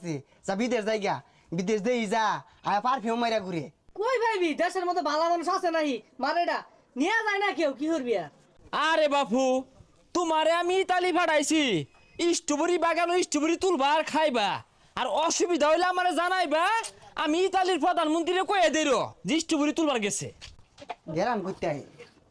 আছে যা বিদেশ যাইগা বিদেশ দেই যা আর পারফিউম মাইরা ঘুরে কই ভাইবি দেশের মধ্যে ভালো মানুষ আছে নাই মারেডা নিয়ে যায় না কেউ কি করবি আর আরে বাপু তোমারে আমি ইতালি পাঠাইছি স্ট্রবেরি বাগানো স্ট্রবেরি তুলবা আর খাইবা আর অসুবিধা হইলে আমারে জানাইবা আমি ইতালির প্রধানমন্ত্রীরে কয়ে দেরো যে স্ট্রবেরি তুলবার গেছে গেরাম করতে আই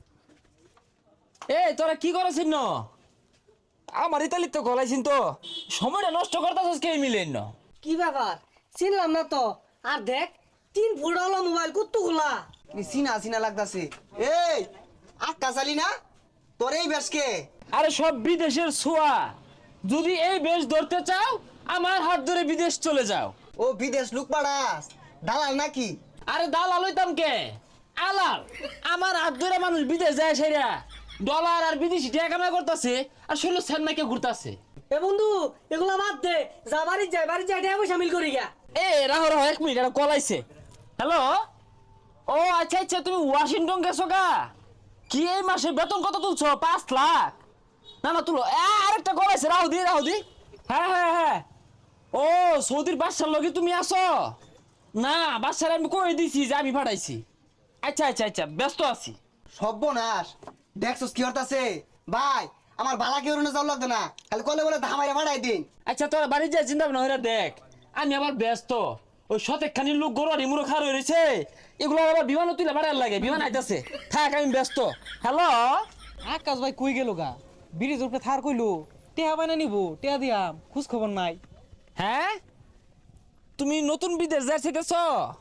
এই তোরা কি করেছিস ন আমার ইতালির তো গলাইছিন তো সময়টা নষ্ট করতেছিস কে মিলেন না কি ব্যাপার চিনলাম না তো আর দেখ 3 ফুট হলো মোবাইল কতগুলা চিনা চিনা লাগতাছে এই আক্কা চালি না তোর এই বেশকে আরে সব বিদেশের ছোঁয়া যদি এই বেশ ধরতে চাও আমার হাত ধরে বিদেশ চলে যাও ও বিদেশ লুক পাড়াস দালাল নাকি আরে দালাল হইতাম কে আলাল আমার হাত ধরে মানুষ বিদেশ যায় সেরা ডলার আর বিদেশি টাকা কামাই করতেছে আর শুনলো সেন্নাকে ঘুরতাছে এ বন্ধু এগুলা বাদ দে যা বাড়ি যাই টাকা পয়সা মিল করি গা এ রাহো রাহো 1 মিনিট এটা কল আইছে হ্যালো ও আচ্ছা আচ্ছা তুমি ওয়াশিংটন গেছো গা কি এই মাসে বেতন কত তুলছো 5 লাখ না না তুলো আরেকটা কল আইছে রাহো দি হ্যাঁ হ্যাঁ হ্যাঁ ও সৌদির বাদশার লগে তুমি আসো না বাদশার আমি কই দিছি যে আমি পাঠাইছি আচ্ছা আচ্ছা আচ্ছা ব্যস্ত আছি সর্বনাশ দেখছস কি হতাছে ভাই আমার বালা কেউ না যাও লাগতো না খালি কলে বলে ধামাইরা পাঠাই দিন আচ্ছা তোরা বাড়ি যা চিন্তা ভাবনা হইরা দেখ আমি আবার ব্যস্ত ওই শতেকখানি লোক গরুয়ারি মুড়ো খার হয়ে রয়েছে এগুলো আবার বিমানও তুলে বাড়ার লাগে বিমান আইতাছে থাক আমি ব্যস্ত হ্যালো আকাশ ভাই কই গেল গা ব্রিজ উপরে থার কইলো টেহা বাইনা নিবো টেহা দিয়াম খোঁজ খবর নাই হ্যাঁ তুমি নতুন বিদেশ যাইতেছ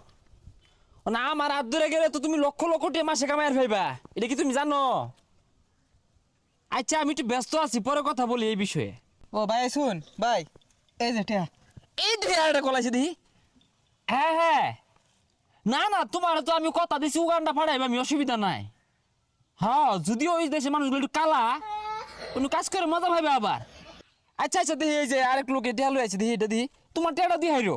না আমার হাত ধরে গেলে তো তুমি লক্ষ লক্ষ টাকা মাসে কামাই ফেলবা এটা কি তুমি জানো আচ্ছা আমি একটু ব্যস্ত আছি পরে কথা বলি এই বিষয়ে ও ভাই শুন ভাই এই যে টেহা এই দুই একটা কলাইছে দেখি হ্যাঁ হ্যাঁ না না তোমার তো আমি কথা দিছি উগান্ডা ফাড়াইবা আমি অসুবিধা নাই হ্যাঁ যদিও ওই দেশের মানুষগুলো একটু কালা কোনো কাজ করে মজা পাইবে আবার আচ্ছা আচ্ছা দেখি এই যে আরেক লোকে টেহা লই আছে দেখি এটা দিই তোমার টেহাটা দিয়ে হাইরো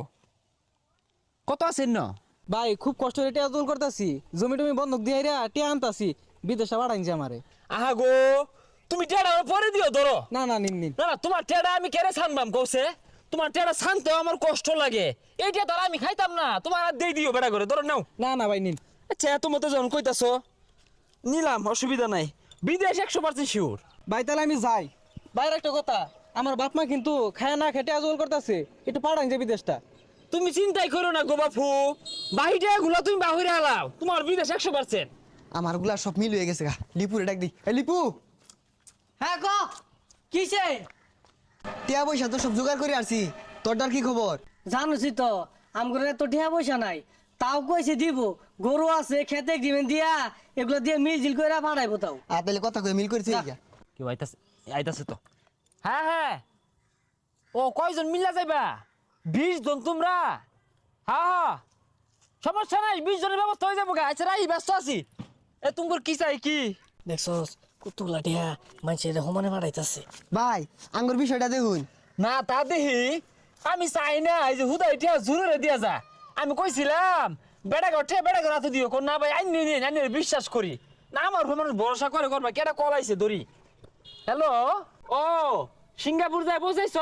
কত আছেন না ভাই খুব কষ্ট করে টেহা দোল করতাছি জমি টমি বন্ধক দিয়ে রা টেহা আনতাছি বিদেশে বাড়াইছে আমারে আহা গো তুমি টেহাটা পরে দিও ধরো না না নিন নিন না না তোমার টেহাটা আমি কেড়ে ছানবাম কৌছে তোমার টেহাটা ছানতেও আমার কষ্ট লাগে এইটা তো আর আমি খাইতাম না তোমার আর দিয়ে দিও বেড়া করে ধরো নাও না না ভাই নিন আচ্ছা এত মতো যখন কইতাছো নিলাম অসুবিধা নাই বিদেশ 100% শিওর ভাই তাহলে আমি যাই বাইরে একটা কথা আমার বাপ মা কিন্তু খায় না খেটে আজল করতেছে একটু পাঠান যে বিদেশটা তুমি চিন্তাই করো না গো বাপু বাহিরে গুলা তুমি বাহিরে হালাও তোমার বিদেশ 100%। আমার গুলা সব মিল হয়ে গেছে গা লিপুরে ডাক দি এই লিপু হ্যাঁ ক কিসে টিয়া পয়সা তো সব জোগাড় করে আসছি তোরটার কি খবর জানোছি তো আমগরে তো টাকা পয়সা নাই তাও কইছে দিব গরু আছে খেতে দিবেন দিয়া এগুলো দিয়ে মিল করে পাঠাইবো তাও আর তাহলে কথা কয়ে মিল করেছে কেউ আইতাছে আইতাছে তো হ্যাঁ হ্যাঁ ও কয়জন মিলা যাইবা 20 জন তোমরা হ্যাঁ হ্যাঁ সমস্যা নাই 20 জনের ব্যবস্থা হয়ে যাবো গা আচ্ছা রাই ব্যস্ত আছি এ তোমার কি চাই কি দেখছস কতগুলা টিয়া মানুষের সমানে পাঠাইতাছে ভাই আঙ্গুর বিষয়টা দেখুন না তা দেখি আমি চাই না এই যে হুদা এটা জরুরে দিয়া যা আমি কইছিলাম বেড়া ঘর হাতে দিও কোন না ভাই আইনি বিশ্বাস করি না আমার উপর মানুষ ভরসা করে করবা কেটা কল আইছে দড়ি হ্যালো ও সিঙ্গাপুর যায় বুঝাইছ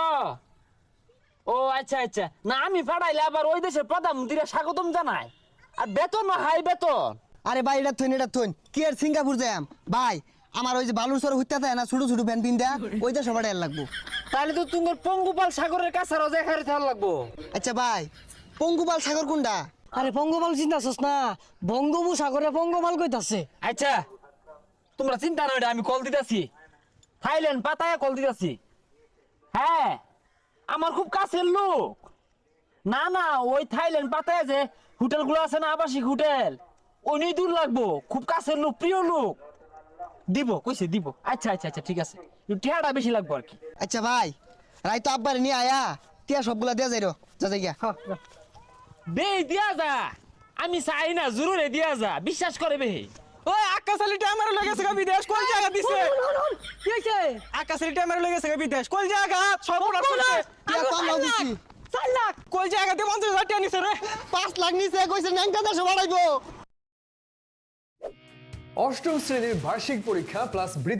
ও আচ্ছা আচ্ছা না আমি পাঠাইলে আবার ওই দেশের প্রধানমন্ত্রীরা স্বাগতম জানায় আর বেতন না হাই বেতন আরে ভাই এটা থইন কি আর সিঙ্গাপুর যাম ভাই আমার ওই যে বালুচর হইতে থাকে না ছোট ছোট ভ্যান পিন দেয়া ওইটা সবার লাগবো তাহলে তো তোমার পঙ্গুপাল সাগরের কাছে রোজা খারে থাকা লাগবো আচ্ছা ভাই পঙ্গুপাল সাগর কোনটা আরে পঙ্গপাল চিন্তাছস না বঙ্গোপসাগরে পঙ্গপাল কইতাছে আচ্ছা তোমরা চিন্তা নয় আমি কল দিতেছি থাইল্যান্ড পাতায় কল দিতেছি হ্যাঁ আমার খুব কাছের লোক না না ওই থাইল্যান্ড পাতায় যে হোটেলগুলো আছে না আবাসিক হোটেল ওই নিয়ে দূর লাগবো খুব কাছের লোক প্রিয় লোক দিব কইছে দিব আচ্ছা আচ্ছা আচ্ছা ঠিক আছে টিয়াটা বেশি লাগবো আর কি আচ্ছা ভাই রাই তো আব্বারে নিয়ে আয়া টিয়া সবগুলা দেয়া যাই যা যাই গিয়া বে দিয়া যা আমি চাই না জরুরে দিয়া যা বিশ্বাস করে বে ওই আকাশ আলিটা আমার লাগেছে গা বিদেশ কোন জায়গা দিছে কি হইছে আকাশ আলিটা আমার লাগেছে গা বিদেশ কোন জায়গা সব উড়া করছে টিয়া কম লাও দিছি 4 লাখ কোন জায়গাতে 50,000 টাকা নিছে রে 5 লাখ নিছে কইছে ন্যাংটা দেশে বাড়াইবো অষ্টম শ্রেণীর বার্ষিক পরীক্ষা প্লাস